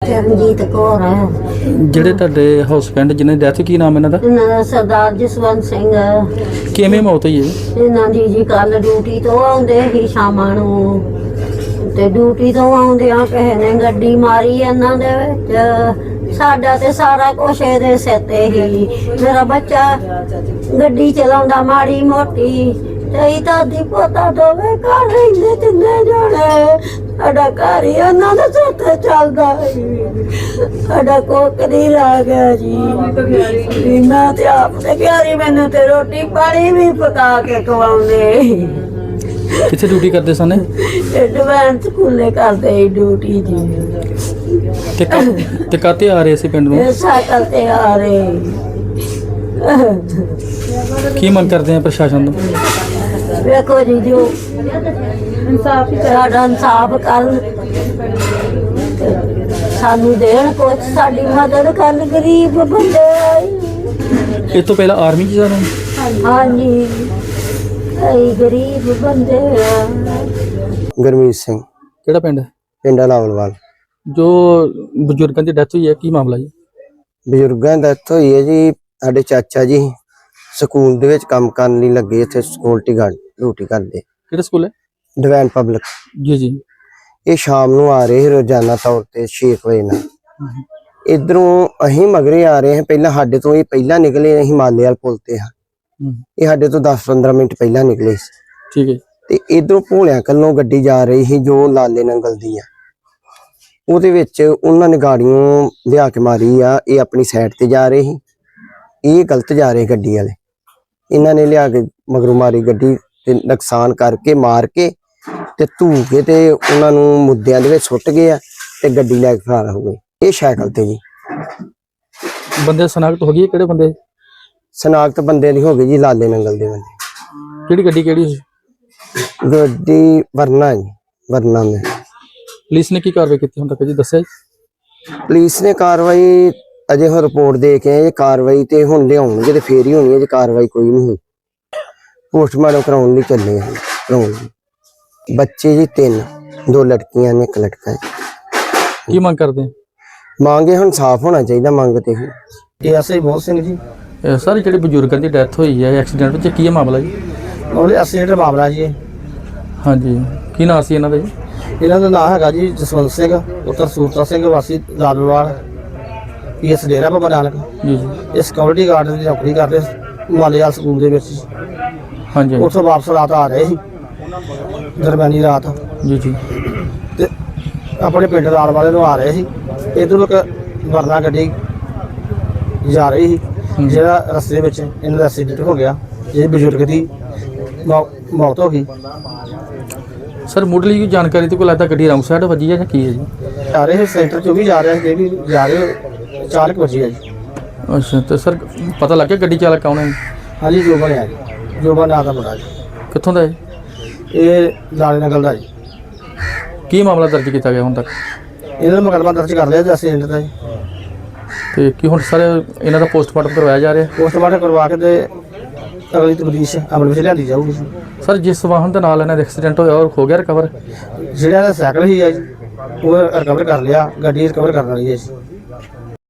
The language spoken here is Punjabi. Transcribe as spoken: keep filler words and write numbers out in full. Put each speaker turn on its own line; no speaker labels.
ਚਰਨਜੀਤ ਕੌਰ
ਜਿਹੜੇ ਤੁਹਾਡੇ ਹਸਬੈਂਡ ਜਿਹਨਾਂ ਦੀ ਡੈਥ, ਕੀ ਨਾਮ ਇਹਨਾਂ ਦਾ?
ਇਹਨਾਂ ਦਾ ਸਰਦਾਰ ਜਸਵੰਤ ਸਿੰਘ।
ਕਿਵੇਂ ਮੌਤ ਹੋਈ ਹੈ
ਇਹਨਾਂ ਦੀ ਜੀ ਕੱਲ ਡਿਊਟੀ ਤੋਂ ਆਉਂਦੇ ਸੀ ਸ਼ਾਮਾਂ ਨੂੰ, ਤੇ ਡਿਊਟੀ ਤੋਂ ਆਉਂਦਿਆਂ ਕਿਸੇ ਨੇ ਗੱਡੀ ਮਾਰੀ ਇਹਨਾਂ ਦੇ ਵਿੱਚ। ਸਾਡਾ ਤੇ ਸਾਰਾ ਕੁਛ ਇਹਦੇ ਸਿਰ ਤੇ ਹੀ। ਮੇਰਾ ਬੱਚਾ ਗੱਡੀ ਚਲਾਉਂਦਾ ਮਾੜੀ ਮੋਟੀ, ਤੇ ਦਾਦੀ ਪੋਤਾ ਦੋਵੇਂ ਘਰ ਰਹਿੰਦੇ ਤਿੰਨੇ ਜਾਣੇ। ਸਾਡਾ ਘਰ ਹੀ ਉਹਨਾਂ ਦੇ ਸਿਰ ਤੇ ਚੱਲਦਾ ਸੀ। ਸਾਡਾ ਕੋਕ ਨਹੀਂ ਰਹਿ ਗਿਆ ਜੀ। ਵੀ ਮੈਂ ਤੇ ਆਪ ਤੇ ਪਿਆਰੀ ਮੈਨੂੰ ਤੇ ਰੋਟੀ ਪਾਣੀ ਵੀ ਪਕਾ ਕੇ ਖਵਾਉਂਦੇ।
ਕਿੱਥੇ ਡਿਊਟੀ ਕਰਦੇ ਸਨ?
ਐਡਵਾਂਸ ਸਕੂਲੇ ਕਰਦੇ ਸੀ ਡਿਊਟੀ ਜੀ।
ਤੇ ਕਾ- ਤੇ ਕਾਤੇ ਆ ਰਹੇ ਸੀ ਪਿੰਡ ਨੂੰ?
ਇਹ ਸਾਈਕਲ ਤੇ ਆ ਰਹੇ।
ਕੀ ਮੰਗ ਕਰਦੇ ਆ ਪ੍ਰਸ਼ਾਸਨ ਤੋਂ?
ਵੇਖੋ ਜੀ, ਜੋ ਇਨਸਾਫ ਸਾਡਾ ਇਨਸਾਫ ਕਰਨ, ਸਾਨੂੰ ਦੇਣ ਕੁਛ, ਸਾਡੀ ਮਦਦ ਕਰਨ। ਗਰੀਬ ਬੰਦੇ
ਇਸ ਤੋਂ ਪਹਿਲਾਂ ਆਰਮੀ 'ਚ ਜਾਣਾ?
ਹਾਂਜੀ, ਅਸੀਂ ਗਰੀਬ ਬੰਦੇ ਆ।
ਗੁਰਮੀਤ ਸਿੰਘ,
ਕਿਹੜਾ ਪਿੰਡ?
ਪਿੰਡ ਲਾਵਲਵਾਲ।
ਜੋ ਬਜ਼ੁਰਗਾਂ ਦੀ ਡੈਥ ਹੋਈ ਹੈ, ਕੀ ਮਾਮਲਾ ਜੀ?
ਬਜ਼ੁਰਗਾਂ ਦੀ ਡੈਥ ਹੋਈ ਹੈ ਜੀ। ਸਾਡੇ ਚਾਚਾ ਜੀ ਸਕੂਲ ਦੇ ਵਿੱਚ ਕੰਮ ਕਰਨ ਲਈ ਲੱਗੇ, ਇੱਥੇ ਸਿਕਿਉਰਿਟੀ ਗਾਰਡ ਡਿਊਟੀ ਕਰਦੇ।
ਕਿਹੜਾ ਸਕੂਲ ਹੈ?
Divine public.
ਜੀ ਜੀ।
ਇਹ ਸ਼ਾਮ ਨੂੰ ਆ ਰਹੇ ਸੀ ਰੋਜ਼ਾਨਾ ਤੌਰ ਤੇ ਛੇ ਵਜੇ ਨਾਲ। ਇਧਰੋਂ ਅਸੀਂ ਮਗਰੇ ਆ ਰਹੇ ਹਾਂ। ਪਹਿਲਾਂ ਸਾਡੇ ਤੋਂ ਇਹ ਪਹਿਲਾਂ ਨਿਕਲੇ, ਅਸੀਂ ਮਾਲੇ ਵਾਲ ਪੁਲ ਤੇ ਹਾਂ। ਇਹ ਸਾਡੇ ਤੋਂ ਦਸ ਪੰਦਰਾਂ ਮਿੰਟ ਪਹਿਲਾਂ ਨਿਕਲੇ ਸੀ।
ਠੀਕ ਹੈ। ਤੇ
ਇਧਰੋਂ ਭੋਲਿਆਂ ਕੱਲੋਂ ਗੱਡੀ ਜਾ ਰਹੀ ਸੀ ਜੋ ਲਾਲੇ ਨੰਗਲ ਦੀ ਆ। ਉਹਦੇ ਵਿੱਚ ਉਹਨਾਂ ਨੇ ਗਾੜੀਆਂ ਲਿਆ ਕੇ ਮਾਰੀ ਆ। ਇਹ ਆਪਣੀ ਸਾਈਡ ਤੇ ਜਾ ਰਹੇ ਸੀ, ਇਹ ਗਲਤ ਜਾ ਰਹੇ ਗੱਡੀ ਵਾਲੇ। ਇਹਨਾਂ ਨੇ ਲਿਆ ਕੇ ਮਗਰੋਂ ਮਾਰੀ ਗੱਡੀ ਤੇ ਨੁਕਸਾਨ ਕਰਕੇ ਮਾਰ ਕੇ ਤੇ ਧੂ ਕੇ ਤੇ ਉਹਨਾਂ ਨੂੰ ਮੁੱਦਿਆਂ ਦੇ ਵਿੱਚ ਸੁੱਟ ਗਏ ਆ ਤੇ ਗੱਡੀ ਲੈ ਕੇ ਫਰਾਰ ਹੋ ਗਏ। ਇਹ ਸਾਈਕਲ ਤੇ ਜੀ।
ਬੰਦੇ ਸਨਾਖਤ ਹੋ ਗਈ? ਕਿਹੜੇ ਬੰਦੇ
ਸਨਾਖਤ ਬੰਦੇ ਦੀ ਹੋ ਗਈ ਜੀ, ਲਾਲੇ ਨੰਗਲ ਦੇ ਬੰਦੇ।
ਕਿਹੜੀ ਗੱਡੀ ਕਿਹੜੀ ਸੀ?
ਗੱਡੀ ਵਰਨਾ ਜੀ, ਵਰਨਾ ਮੈਂ।
ਪੁਲਿਸ ਨੇ ਕੀ ਕਾਰਵਾਈ ਕੀਤੀ ਹੁਣ ਤੱਕ ਜੀ, ਦੱਸਿਆ ਜੀ?
ਪੁਲਿਸ ਨੇ ਕਾਰਵਾਈ ਅਜੇ ਹੁਣ ਰਿਪੋਰਟ ਦੇ ਕੇ ਆਏ। ਕਾਰਵਾਈ ਤੇ ਹੁਣ ਲਿਆਉਣਗੇ ਤੇ ਫੇਰ ਹੀ ਹੋਣੀ ਹੈ ਜੀ। ਕਾਰਵਾਈ ਕੋਈ ਨਹੀਂ ਹੋਈ। ਪੋਸਟਮਾਰਟਮ ਕਰਾਉਣ ਲਈ ਚੱਲੇ ਆ। ਕਰਾਉਣ ਲਈ ਬੱਚੇ ਜੀ ਤਿੰਨ, ਦੋ ਲੜਕੀਆਂ ਨੇ, ਇੱਕ ਲੜਕਾ ਹੈ।
ਕੀ ਮੰਗ ਕਰਦੇ ਆ?
ਮੰਗੇ ਹੁਣ ਸਾਫ਼ ਹੋਣਾ ਚਾਹੀਦਾ। ਮੰਗ ਤੇ ਹੀ
ਇਹ ਐਸਆਈ ਬਹੁਤ ਸਿੰਘ ਜੀ।
ਸਰ, ਜਿਹੜੇ ਬਜ਼ੁਰਗਾਂ ਦੀ ਡੈਥ ਹੋਈ ਹੈ ਐਕਸੀਡੈਂਟ ਵਿੱਚ, ਕੀ ਹੈ ਮਾਮਲਾ ਜੀ?
ਉਹਦੇ ਐਕਸੀਡੈਂਟ ਮਾਮਲਾ ਜੀ।
ਹਾਂਜੀ, ਕੀ ਨਾਂ ਸੀ ਇਹਨਾਂ ਦਾ ਜੀ?
ਇਹਨਾਂ ਦਾ ਨਾਮ ਹੈਗਾ ਜੀ ਜਸਵੰਤ ਸਿੰਘ ਪੁੱਤਰ ਸੂਰਤਾ ਸਿੰਘ ਵਾਸੀ ਲਾਲਵਾਲ, ਪੀਐਸ ਡੇਰਾ ਬਾਬਾ ਨਾਨਕ।
ਜੀ ਜੀ।
ਇਹ ਸਿਕਿਉਰਿਟੀ ਗਾਰਡ ਦੀ ਨੌਕਰੀ ਕਰਦੇ ਮਾਲੇਵਾਲ ਸਕੂਲ ਦੇ ਵਿੱਚ।
ਹਾਂਜੀ
ਉੱਥੋਂ ਵਾਪਸ ਰਾਤ ਆ ਰਹੇ ਸੀ, ਦਰਮਿਆਨੀ ਰਾਤ।
ਜੀ ਜੀ।
ਤੇ ਆਪਣੇ ਪਿੰਡ ਨਾਲ ਵਾਲੇ ਨੂੰ ਆ ਰਹੇ ਸੀ। ਇੱਧਰੋਂ ਇੱਕ ਵਰਨਾ ਗੱਡੀ ਜਾ ਰਹੀ ਸੀ, ਜਿਹੜਾ ਰਸਤੇ ਵਿੱਚ ਇਹਨਾਂ ਦਾ ਐਕਸੀਡੈਂਟ ਹੋ ਗਿਆ। ਇਹ ਬਜ਼ੁਰਗ ਦੀ ਮੌ- ਮੌਤ ਹੋ ਗਈ।
ਸਰ, ਮੁੱਢਲੀ ਜਾਣਕਾਰੀ ਤੇ ਕੋਈ ਲੱਗਦਾ ਗੱਡੀ ਰੌਂਗ ਸਾਈਡ ਵੱਜੀ ਹੈ ਜਾਂ ਕੀ ਹੈ ਜੀ?
ਆ ਰਹੇ ਸੈਂਟਰ ਚੋਂ ਵੀ ਜਾ ਰਿਹਾ ਸੀ, ਇਹ ਵੀ ਜਾ ਰਹੇ ਚਾਰ ਕੁ ਵਜੇ ਆ ਜੀ।
ਅੱਛਾ, ਤੇ ਸਰ ਪਤਾ ਲੱਗ ਗਿਆ ਗੱਡੀ ਚਾਲਕ ਕੌਣ ਹੈ?
ਹਾਂਜੀ, ਜੋ ਬਣਿਆ ਜੀ, ਜੋ ਬਣਾ ਦਾ ਮੁੰਡਾ ਜੀ।
ਕਿੱਥੋਂ ਦਾ ਹੈ?
ਇਹ ਲਾਲੇ ਨਗਲ ਦਾ ਜੀ।
ਕੀ ਮਾਮਲਾ ਦਰਜ ਕੀਤਾ ਗਿਆ ਹੁਣ ਤੱਕ?
ਇਹਨਾਂ ਦਾ ਮੁਕੱਦਮਾ ਦਰਜ ਕਰ ਲਿਆ ਜੀ ਐਕਸੀਡੈਂਟ ਦਾ ਜੀ।
ਤੇ ਕੀ ਹੁਣ ਸਰ ਇਹਨਾਂ ਦਾ ਪੋਸਟਮਾਰਟਮ ਕਰਵਾਇਆ ਜਾ ਰਿਹਾ?
ਪੋਸਟਮਾਰਟਮ ਕਰਵਾ ਕੇ ਤੇ ਅਗਲੀ ਤਬਦੀਸ਼ ਅਮਲ ਵਿੱਚ ਲਿਆਂਦੀ ਜਾਊਗੀ।
ਸਰ, ਜਿਸ ਵਾਹਨ ਦੇ ਨਾਲ ਇਹਨਾਂ ਦਾ ਐਕਸੀਡੈਂਟ ਹੋਇਆ ਉਹ ਹੋ ਗਿਆ ਰਿਕਵਰ?
ਜਿਹੜਾ ਇਹਦਾ ਸਾਈਕਲ ਹੀ ਹੈ ਜੀ, ਉਹ ਰਿਕਵਰ ਕਰ ਲਿਆ। ਗੱਡੀ ਰਿਕਵਰ ਕਰਨ ਵਾਲੀ ਹੈ ਜੀ।